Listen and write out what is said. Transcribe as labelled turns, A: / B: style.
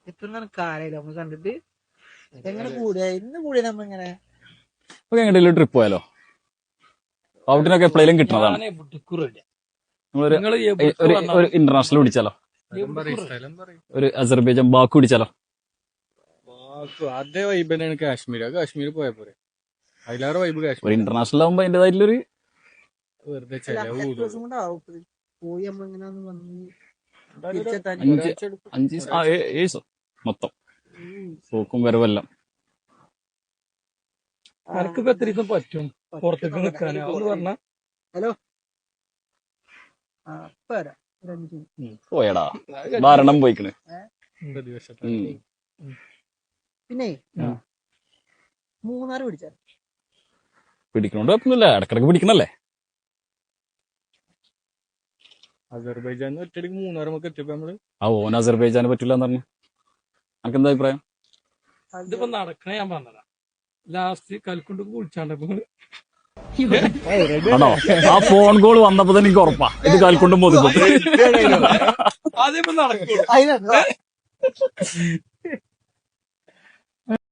A: എത്ര കാലായില്ല നമ്മൾ കണ്ടിട്ട്. എങ്ങനെ കൂടിയ ഇന്ന് കൂടിയ നമ്മ ഇങ്ങനെ
B: എങ്ങനെയും ട്രിപ്പ് പോയാലോ? ഔട്ടിനൊക്കെ എപ്പോഴേലും കിട്ടുന്നതാണ്. ഒരു ഇന്റർനാഷണൽ പിടിച്ചാലോ? ഒരു അസർബൈജാൻ ബാക്ക് പിടിച്ചാലോ?
C: അതേ വൈബ് തന്നെയാണ് കാശ്മീർ പോയ പോരെ. അതിലേറെ വൈബ് കാശ്മീർ.
B: ഒരു ഇന്റർനാഷണൽ ആകുമ്പോ അതിന്റേതായിട്ടുള്ളൊരു
C: വെറുതെ
A: പോയി നമ്മളിങ്ങനെ വന്ന്
B: 5 മൊത്തം പോക്കും വരവെല്ലാം.
D: അനക്കിപ്പോ എത്ര ദിവസം പറ്റും പുറത്തേക്ക് നിൽക്കാന് പറഞ്ഞ?
A: ഹലോ
B: പോയടാ ധാരണം പോയിക്കണ്.
A: പിന്നെ മൂന്നാറ് പിടിച്ചാൽ
B: പിടിക്കണോണ്ട് കുഴപ്പമൊന്നുമില്ല, ഇടക്കിടക്ക് പിടിക്കണല്ലേ.
C: അസർബൈജാൻ ഒറ്റയ്ക്ക് മൂന്നാറ് നമുക്ക് എത്തിയപ്പോ നമ്മള്
B: ഓൻ അസർബൈജാന് പറ്റില്ല എന്ന് പറഞ്ഞു. അനക്ക് എന്താ അഭിപ്രായം?
D: ഇതിപ്പോ നടക്കണേ ഞാൻ പറഞ്ഞതാ. ലാസ്റ്റ് കൽക്കൊണ്ട് കുളിച്ചാണ്ടപ്പോ
B: ആണോ? ആ ഫോൺ കോൾ വന്നപ്പോ തന്നെ എനിക്ക് ഉറപ്പാ ഇത് കാൽക്കൊണ്ടും പോയി.
D: അതിപ്പോ നടക്കും.